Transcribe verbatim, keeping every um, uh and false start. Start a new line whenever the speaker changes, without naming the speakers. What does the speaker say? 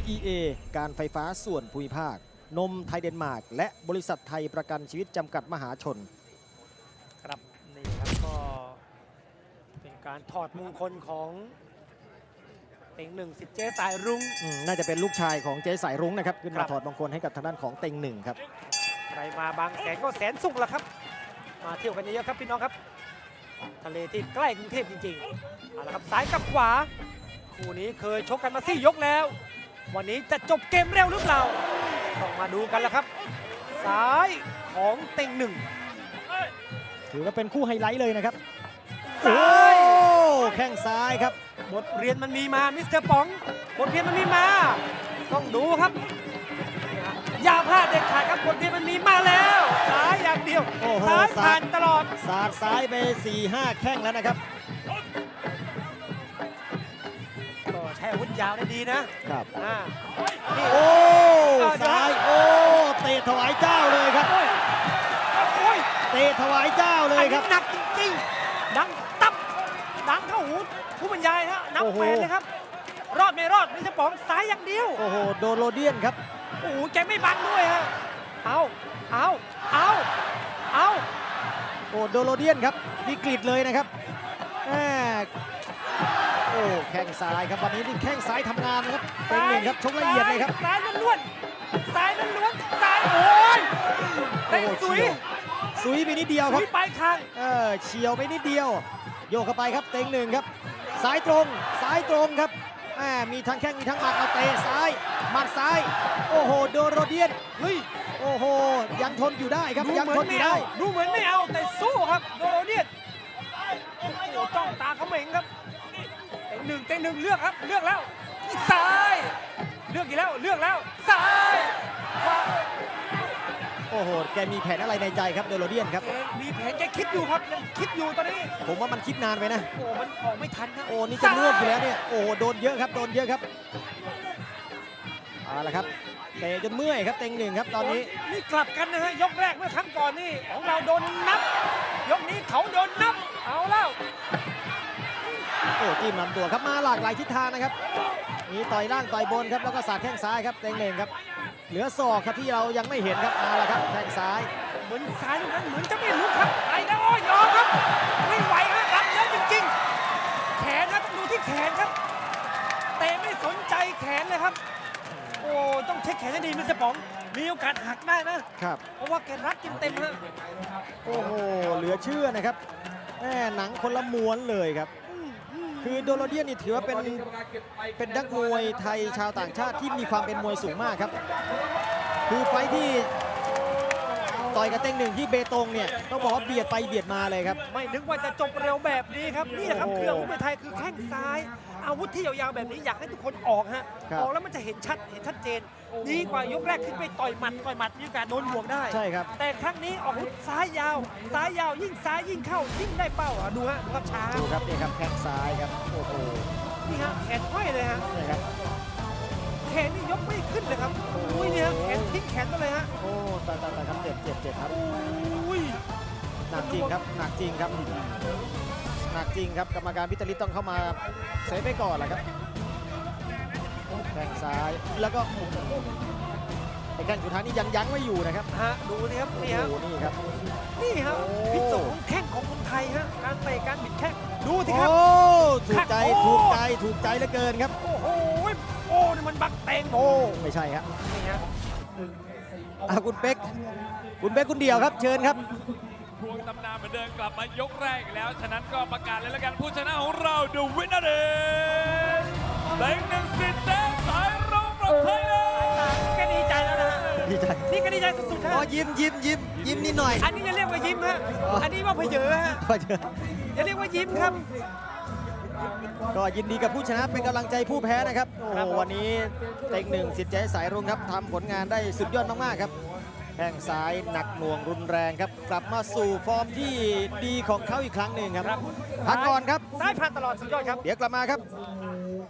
อี เอ การไฟฟ้าส่วนภูมิภาคนมไทยเดนมาร์กและบริษัทไทยประกันชีวิตจำกัดมหาชน
ครับนี่ครับก็เป็นการถอดมงคลของเต็งหนึ่งสิทธิ์เจ๊สายรุ้ง
น่าจะเป็นลูกชายของเจ๊สายรุ้งนะครับขึ้นมาถอดมงคลให้กับทางด้านของเต็งหนึ่งครับ
ใครมาบางแสนก็แสนสุขแล้วครับมาเที่ยวกันเยอะๆครับพี่น้องครับทะเลที่ใกล้กรุงเทพจริงๆเอาละครับซ้ายกับขวาคู่นี้เคยชกกันมาสี่ยกแล้ววันนี้จะจบเกมเร็วหรือเปล่าต้องมาดูกันแล้วครับซ้ายของเต็งหนึ่ง
ถือว่าเป็นคู่ไฮไลท์เลยนะครับ
ซ้าย
แข้งซ้ายครับ
บทเรียนมันมีมามิสเตอร์ป๋องบทเรียนมันมีมาต้องดูครับอย่าพลาดเด็ดขาดครับบทเรียนมันมีมาแล้วซ้ายอย่างเดียวซ้ายผ่านตลอด
สาดซ้ายไป สี่ห้า แข้งแล้วนะครับ
ก็ใช้อาวุธยาวได้ดีนะครับอ่า
โอ้ซ้ายโอ้เตะถวายเจ้าเลยครับเตะถวายเจ้าเลยครับ
หนักจริงๆดังตับดังเข้าหูผู้บรรยายฮะนับแฟนเลยครับรอดไม่รอดมิสเตอร์ป๋องซ้ายอย่างเดียว
โอ้โหโดนโรเดียนครับ
โอ้โหแกไม่บังด้วยฮะเอาเอาเอาเอา
โอ้โดนโรเดียนครับวิกฤตเลยนะครับแหมโอ้แข้งซ้ายครับวันนี้นี่แข้งซ้ายทำงานนะครับเป็นหนึ่งครับชกละเอียดเลยครับ
ซ้ายล้วนซ้ายล้วนซ้ายโอ้ยเตะสุย
สุยไปนิดเดียวครับ
สุยไปข้าง
เออเฉียวไปนิดเดียวโยกเข้าไปครับเต็งหนึ่งครับซ้ายตรงซ้ายตรงครับมีทั้งแข้งมีทั้งหมัดเอาเตะซ้ายหมัดซ้ายโอ้โหโดนโรเดียนเฮ้ยโอ้โหยังทนอยู่ได้ครับยังทนอยู่ได้
ดูเหมือนไม่เอาแต่สู้ครับโดนโรเดียนจ้องตาเขาเหม่งครับเต็งหนึ่งเต็งหนึ่งเลือกครับเลือกแล้วซ้ายเลือกอีกแล้วเลือกแล้วซ้าย
โอ้โหแกมีแผนอะไรในใจครับโดนโรเดียนครับ
มีแผนแกคิดอยู่ครับยังคิดอยู่ตอนนี้
ผมว่ามันคิดนานไปนะ
โอ้มันออกไม่ทันครับ
โอ้นี่จะร่วงอยู่แล้วเนี่ยโอ้โดนเยอะครับโดนเยอะครับเอาละครับเตะจนเมื่อยครับเต็งหนึ่งครับตอนนี้
นี่กลับกันนะฮะยกแรกเมื่อครั้งก่อนนี่ของเราโดนนับยกนี้เขาโดนนับเอาแล้ว
โอ้จิ้มลำตัวครับมาหลากหลายทิศทางนะครับมีต่อยล่างต่อยบนครับแล้วก็สาดแข้งซ้ายครับเต็งหนึ่งครับเหลือศอกครับที่เรายังไม่เห็นครับเอาละครับแข้งซ้าย
เหมือนซ้ายนั้นเหมือนจะไม่ลุกครับไปแล้วโอ้ยยอมครับไม่ไหวฮะรับเยอะจริงๆแขนนะต้องดูที่แขนครับเตะไม่สนใจแขนเลยครับโอ้ต้องเช็คแขนให้ดีมิสเตอร์ป๋องมีโอกาสหักได้นะครับเพราะว่าแกรัดกินเต็มฮะ
โอ้โหเหลือเชื่อนะครับแหมหนังคนละม้วนเลยครับคือโดโรเดียนนี่ถือว่าเป็นเป็นนักมวยไทยชาวต่างชาติที่มีความเป็นมวยสูงมากครับคือไฟที่ต่อยกับเต็งหนึ่งที่เบตงเนี่ยต้องบอกว่าเบียดไปเบียดมาเลยครับ
ไม่นึกว่าจะจบเร็วแบบนี้ครับนี่แหละครับเครื่องมวยไทยคือแข้งซ้ายอาวุธที่ยาวๆแบบนี้อยากให้ทุกคนออกฮะออกแล้วมันจะเห็นชัดเห็นชัดเจนดีกว่ายกแรกขึ้นไปต่อยหมัดต่อยหมัดมีโอกาสโดนห่วงได้
ใช่ครับ
แต่ครั้งนี้ออกอาวุธซ้ายยาวซ้ายยาวยิ่งซ้ายยิ่งเข้ายิ่งได้เป้าอ่ะดูฮะดูครับช้า
ดูครับนี่ครับแข้งซ้ายครับโอ้โห
นี่ฮะแขนห้อยเลยฮะ
นี่ครับ
แขนนี่ยกไม่ขึ้นเลยครับโอ้ยเนี่ยแขนทิ้งแขนไปเลยฮะ
โอ้ตายตายตายครับเจ็บเจ็บเจ็บครับ
โอ้ย
หนักจริงครับหนักจริงครับหนักจริงครับกรรมการพิจารณาต้องเข้ามาเซฟไปก่อนแหละครับแข้งซ้ายแล้วก็ไอ้แข้งสุดท้ายนี่ยังยั้งไม่อยู่นะครับ
ฮะดูนี่ครับนี่ฮะ
นี่ครับ
นี่ครับพิสูจน์แข้งของคนไทยฮะการเตะการบิดแข้งดูสิครับ
โอ้ถูกใจถูกใจถูกใจเหลือเกินครับ
โอ้โหโอ้นี่มันบักเตงโอ้
ไม่ใช่ครับ
นี่ฮะ
อาคุณเป๊กคุณเป๊กคุณเดี่ยวครับเชิญครับ
พวงตำนานเหมือนเดิมกลับมายกแรกแล้วฉะนั้นก็ประกาศเลยแล้วกันผู้ชนะของเรา The Winner is เต็งหนึ่งสิทธิ์เจ๊สายรุ้งfrom Thailand
แกดีใจแล้วนะ
ดีใจ
นี่ก็ดีใจสุดๆฮะ
อ๋อยิ้มยิ้มยิ้มยิ้มนิดหน่อย
อันนี้จะเรียกว่ายิ้มฮะอันนี้ว่าเพเยอฮะจะเรียกว่ายิ้มครับ
ก็ยินดีกับผู้ชนะเป็นกำลังใจผู้แพ้นะครับโอ้วันนี้เต็งหนึ่งสิทธิ์เจ๊สายรุ้งครับทำผลงานได้สุดยอดมากๆครับแข้งซ้ายหนักหน่วงรุนแรงครับกลับมาสู่ฟอร์มที่ดีของเขาอีกครั้งหนึ่งครับพักก่อนครับ
ซ้ายผ่านตลอดสุดยอดครับ
เดี๋ยวกลับมาครับ